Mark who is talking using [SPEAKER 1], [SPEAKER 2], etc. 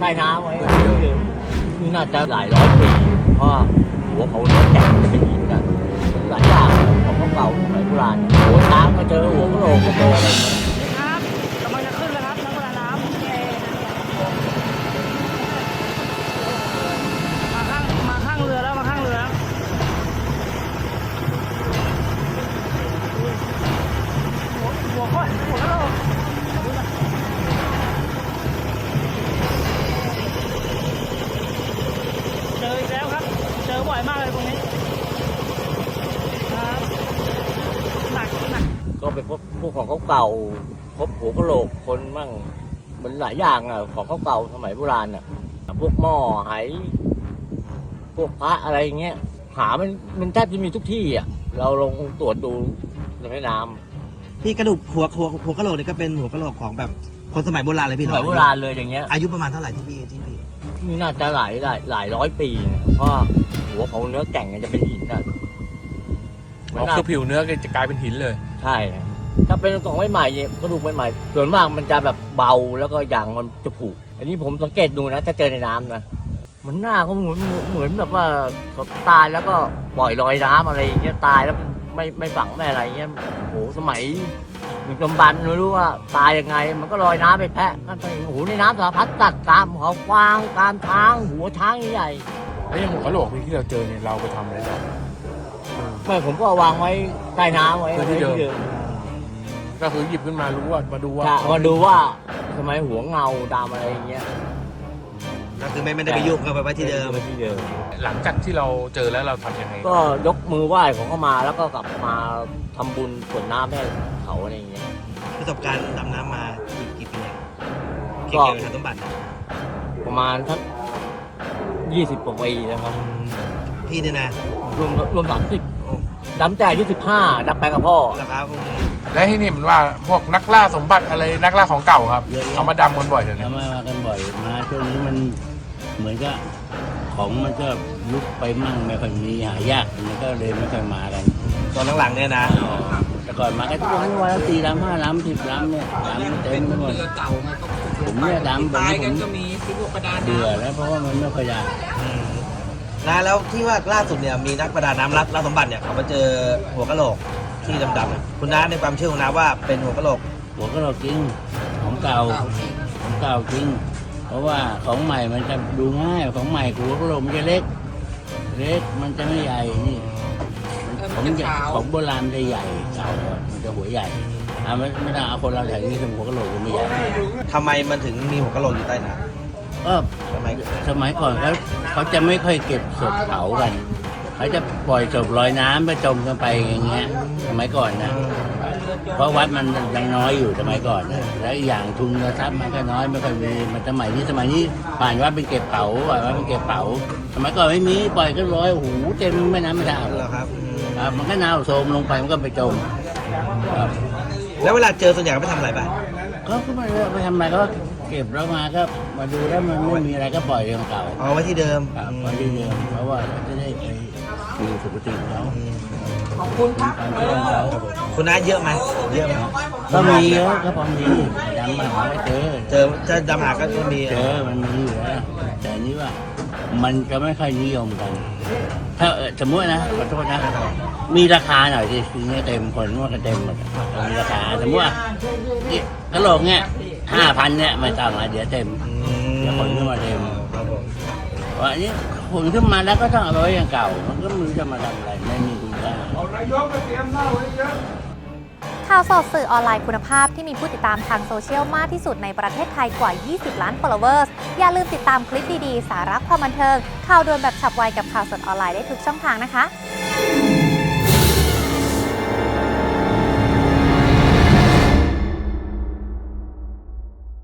[SPEAKER 1] ต้น้ำไว้นี่น่าจะหลายร้อยปีเพราะหัวเขาเนื้อแข็งจะเป็นหินกันหลายอย่างของเก่าสมัยโบราณหัวช้างก็เจอหัวกะโหลกก็เจออะไร
[SPEAKER 2] นี่ครับกำลังจะขึ้นแล้วครับนักประดาน้ำมาข้างเรือแล้วมาข้างเรือแล้วหัวกะโหลกเจออีกแล้วครับเจอบ่อยมากเลยตรงนี้ครับหนัก
[SPEAKER 1] ก็ไปพวกของเก่าพบหัวกะโหลกคนมั่งมันหลายอย่างอ่ะของเก่าสมัยโบราณอ่ะพวกหม้อไหพวกพระอะไรเงี้ยหามันแทบจะมีทุกที่อ่ะเราลองตรวจดูในแม่น้ำ
[SPEAKER 3] พี่กระดูกหัวกะโหลกนี่ก็เป็นหัวกะโหลกของแบบคนสมัยโบราณเลยพี่
[SPEAKER 1] สมัยโบราณเลยอย่างเงี้ย
[SPEAKER 3] อายุประมาณเท่าไหร่ที่พี่
[SPEAKER 1] นี่น่าจะหลายร้อยปีนะเพราะหัวเขาเนื้อแก่งจะเป็นหินอ่ะ
[SPEAKER 4] คือผิวเนื้อจะกลายเป็นหินเลย
[SPEAKER 1] ใช่ถ้าเป็นของใหม่ๆกระดูกใหม่ๆส่วนมากมันจะแบบเบาแล้วก็อย่างมันจะผุอันนี้ผมสังเกตดูนะถ้าเจอในน้ำนะมันหน้าเขาเหมือนแบบว่าเขาตายแล้วก็ปล่อยลอยน้ำอะไรอย่างเงี้ยตายแล้วไม่ฝังไม่อะไรเงี้ยโอ้โหสมัยดึกดำบรรพ์ไม่รู้ว่าตายยังไงมันก็ลอยน้ำไปแพะนั่นไปโอ้โหในน้ำสารพัดตัดตามเขากวางตามช้างหัวช้างใหญ่
[SPEAKER 4] แล้วยังหัวกะโหลกที่เราเจอเนี่ยเราไปทำอะไรบ้าง
[SPEAKER 1] ไม่ผมก็วางไว้ใต้น้ำไว้ที่เดิม
[SPEAKER 4] ก็คือหยิบขึ้นมารู้ว่ามาดู
[SPEAKER 1] ว่าทำไมหัวเงาตามอะไรอย่างเงี้ย
[SPEAKER 3] ก็คือไม่ได้ไปยุ่งก็ไปไว้ที่เดิม
[SPEAKER 4] หลังจากที่เราเจอแล้วเราทำยังไง
[SPEAKER 1] ก็ยกมือไหว้ของเขามาแล้วก็กลับมาทำบุญกรวดน้ำให้เขาอะไรอย่างเงี้ย
[SPEAKER 3] ประสบการณ์ดำน้ำมากี่ปีเกี่ยวกับสมบัติ
[SPEAKER 1] ประมาณทั้ง20 กว่าปีนะครับ
[SPEAKER 3] พี่เนี่ยนะ
[SPEAKER 1] รวม30ดำแต่อายุ15ดำไปกับพ่อ
[SPEAKER 3] นะครับ
[SPEAKER 4] และที่นี่มันว่าพวกนักล่าสมบัติอะไรนักล่าของเก่าครับเอามาดำกันบ่อยเลย
[SPEAKER 5] มากันบ่อยมาช่วงนี้มันเหมือนกับของมันก็ยุบไปมั่งไม่ค่อยมีหายากมันก็เลยไม่ค่อยมากัน
[SPEAKER 3] ตอนหลังๆเนี่ยนะ
[SPEAKER 5] แต่ก่อนมาก็ทุกวันละ4 ลำ 5 ลำ 10 ลำเนี่ยลำเต็มไปหมดผมเนี่ยดำแบบนี้ผมเบื่อแล้วเพราะว่ามันไม่ค่อยได้
[SPEAKER 3] นะแล้วที่ว่าล่าสุดเนี่ยมีนักประดาน้ำล่าสมบัติเนี่ยเขามาเจอหัวกะโหลกที่ดำๆคุณน้าในความเชื่อของน้าว่าเป็นหัวกะโหลก
[SPEAKER 5] จริงของเก่าจริงเพราะว่าของใหม่มันจะดูง่ายของใหม่หัวกะโหลกมันจะเล็กมันจะไม่ใหญ่นี่ของโบราณจะใหญ่เก่ามันจะหัวใหญ่ไม่ได้เอาคนเราแถวนี้ทำหัวกะโหลกมันไม่ใหญ่
[SPEAKER 3] ทำไมมันถึงมีหัวกะโหลกอยู่ใต้น้ำ
[SPEAKER 5] สมัยก่อนเขาจะไม่ค่อยเก็บศพเผากันเขาจะปล่อยศพลอยน้ำไปจมกันไปอย่างเงี้ยสมัยก่อนนะเพราะวัดมันยังน้อยอยู่สมัยก่อนนะแล้วอย่างทุนทรัพย์มันก็น้อยไม่ค่อยมีมันสมัยนี้ผ่านวัดเป็นเก็บเผาสมัยก่อนไม่มีปล่อยก็ลอยโอ้โหเต็มแม่น้ำไม่ได้
[SPEAKER 3] หรอครับ
[SPEAKER 5] มันก็น่าโทมลงไปมันก็ไปจมครับ
[SPEAKER 3] แล้วเวลาเจอส่วนใหญ่ไปทำอะไรบ้าง
[SPEAKER 5] ก็ไม่ทำอะไรก็เก็บแล้วมาก็มาดูแล้วมันไม่มีอะไรก็ปล่อยของเก่า
[SPEAKER 3] เอาไว้ที่เดิม
[SPEAKER 5] ไว้ที่เดิมเพราะว่าจะได้ไปดูสุขติเขา
[SPEAKER 2] ขอบคุณครับ
[SPEAKER 3] คุณน้าเยอะไหม
[SPEAKER 5] ก็มีเยอะก็พอดีดำมาหาไม่เจอ
[SPEAKER 3] จะดำหาก็มี
[SPEAKER 5] มันมีอยู่แล้วแต่นี้ว่ามันจะไม่ค่อยนิยมกันถ้าสมมตินะขอโทษนะมีราคาหน่อยทีนี้เต็มคนว่ากันเต็มหมดมีราคาสมมติว่ากระโหลกเนี่ย5,000เนี่ยไม่ต้องเดี๋ยวเต็มเดี๋ยวคนขึ้นมาเต็มว่าอันนี้ผลขึ้นมาแล้วก็ต้องเอาไว้อย่างเก่ามันก็ไม่รู้จะมาทำอะไรไม่มีคุณค่า
[SPEAKER 6] ข่าวสดสื่อออนไลน์คุณภาพที่มีผู้ติดตามทางโซเชียลมากที่สุดในประเทศไทยกว่า 20 ล้าน followers อย่าลืมติดตามคลิปดีๆสาระความบันเทิงข่าวด่วนแบบฉับไวกับข่าวสดออนไลน์ได้ทุกช่องทางนะคะ